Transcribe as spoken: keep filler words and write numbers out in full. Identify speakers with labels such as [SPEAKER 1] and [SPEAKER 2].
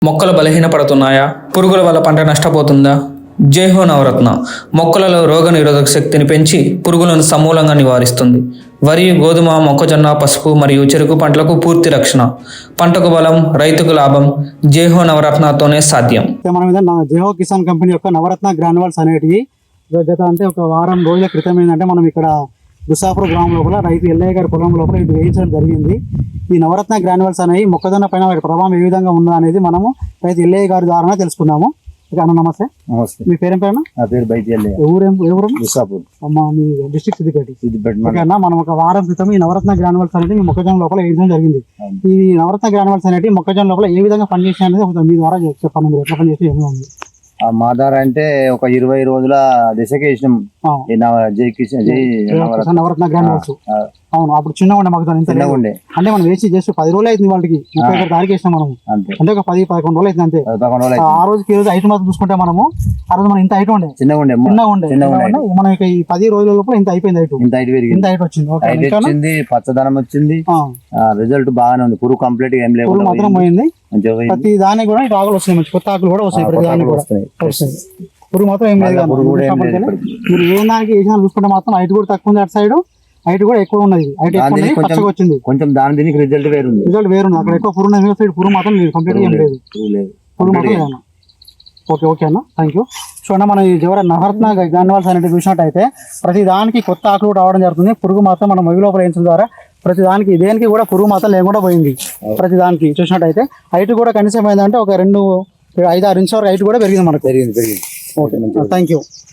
[SPEAKER 1] మొక్కలు బలహీనపడుతున్నాయా? పురుగుల వల్ల పంట నష్టపోతుందా? జైహో నవరత్న మొక్కలలో రోగ నిరోధక శక్తిని పెంచి పురుగులను సమూలంగా నివారిస్తుంది. వరి, గోధుమ, మొక్కజొన్న, పసుపు మరియు చెరుకు పంటలకు పూర్తి రక్షణ. పంటకు బలం, రైతుకు లాభం జైహో నవరత్నతోనే సాధ్యం.
[SPEAKER 2] మనం ఏదైనా జైహో కిసాన్ కంపెనీ యొక్క నవరత్న గ్రాన్యువల్స్ అనేటివి గత అంటే ఒక వారం రోజుల క్రితం ఏంటంటే మనం ఇక్కడ గుసాపూర్ గ్రామం లోపల రైతు ఎల్లయ్య గారి పొలం లోపల ఇది వేయించడం జరిగింది. ఈ నవరత్న గ్రాన్యువల్స్ అనేవి మొక్కజొన్న పైన వాటి ప్రభావం ఏ విధంగా ఉందా అనేది మనము రైతు ఎల్లయ్య గారి ద్వారా తెలుసుకుందాము. అన్న నమస్తే.
[SPEAKER 3] నమస్తే.
[SPEAKER 2] మీ పేరేం పేరు?
[SPEAKER 3] నా పేరు బైతి ఎల్లయ్య.
[SPEAKER 2] ఊరేం ఎవరు?
[SPEAKER 3] గుసాపూర్.
[SPEAKER 2] అమ్మ మీ డిస్ట్రిక్ట్ సిద్దిపేట.
[SPEAKER 3] సిద్దిపేట.
[SPEAKER 2] అన్న మనం ఒక వారం క్రితం ఈ నవరత్న గ్రాన్యువల్స్ అనేది మీ మొక్కజొన్న లోపల వేయించడం జరిగింది. ఈ నవరత్న గ్రాన్యువల్స్ అనేవి మొక్కజొన్న లోపల ఏ విధంగా పనిచేసాయి అనేది మీ ద్వారా చెప్పండి. మీరు ఎట్లా పనిచేసి ఏమి ఉంది?
[SPEAKER 3] మా ద్వారా అంటే ఒక ఇరవై రోజుల దశకి వేసినాం. జై కిషన్ జై
[SPEAKER 2] నవరత్న గ్రాన్యువల్స్. అవును, అప్పుడు చిన్నగా ఉండే మొక్కజొన్న ఇంత
[SPEAKER 3] ఉండే
[SPEAKER 2] అంటే మనం వేసి జస్ట్ పది రోజులు అవుతుంది వాళ్ళకి. ముప్పై ఒకటి తారీఖు వేసినాం మనం. అంటే ఒక పది పదకొండు రోజులు అవుతుంది అంతే. ఆ రోజుకి ఈ రోజు ఐటమ్ మాత్రం చూసుకుంటే మనము ఆ రోజు మనం ఇంత ఐటమ్ ఉండే
[SPEAKER 3] చిన్నగా ఉండే
[SPEAKER 2] చిన్నగా ఉండే మనం ఇక ఈ పది రోజుల లోపల ఇంత అయిపోయింది. ఐటమ్
[SPEAKER 3] ఇంత ఐటు
[SPEAKER 2] ఇంత ఐటమ్ వచ్చింది.
[SPEAKER 3] వచ్చింది పచ్చదనం వచ్చింది. రిజల్ట్ బాగానే ఉంది. పురుగు కంప్లీట్ గా ఏం లేదు,
[SPEAKER 2] పురుగు మాత్రం పోయింది. ప్రతి దానికి కూడా ఇటు ఆకులు వస్తాయి, మంచి కొత్త ఆకులు కూడా వస్తాయి. ప్రతి దానికి కూడా వస్తాయి. పురుగు మాత్రం ఏం లేదు. మీరు ఏ దానికి వేసినా చూసుకుంటే మాత్రం హైట్ కూడా తక్కువ ఉంది. అటు సైడ్ హైట్ కూడా ఎక్కువ ఉన్నది. హైట్ ఎక్కువ పచ్చగా వచ్చింది.
[SPEAKER 3] కొంచెం దాని దీనికి రిజల్ట్ వేరుంది.
[SPEAKER 2] రిజల్ట్ వేరుంది. అక్కడ ఎక్కువ పురుగు ఉన్నది, సైడ్ పురుగు మాత్రం లేదు. కంప్లీట్ ఏం లేదు. పురుగు మాత్రం లేదు. ఓకే ఓకే అన్న, థ్యాంక్ యూ. చూడండి, మనం ఈ జవర నవరత్న గ్రాన్యువల్స్ అనేది చూసినట్టయితే ప్రతి దానికి కొత్త ఆకులు రావడం జరుగుతుంది. పురుగు మాత్రం మనం మొయ్యి లోపల వేయించడం ద్వారా ప్రతి దానికి దేనికి కూడా పురుగు మాత్రం లేకుండా పోయింది. ప్రతి దానికి చూసినట్టయితే హైట్ కూడా కనీసం ఏంటంటే ఒక రెండు ఐదు ఆరు ఇంచ్ వరకు హైట్ కూడా పెరిగింది మనకు.
[SPEAKER 3] పెరిగింది పెరిగింది
[SPEAKER 2] ఓకే, థ్యాంక్ యూ.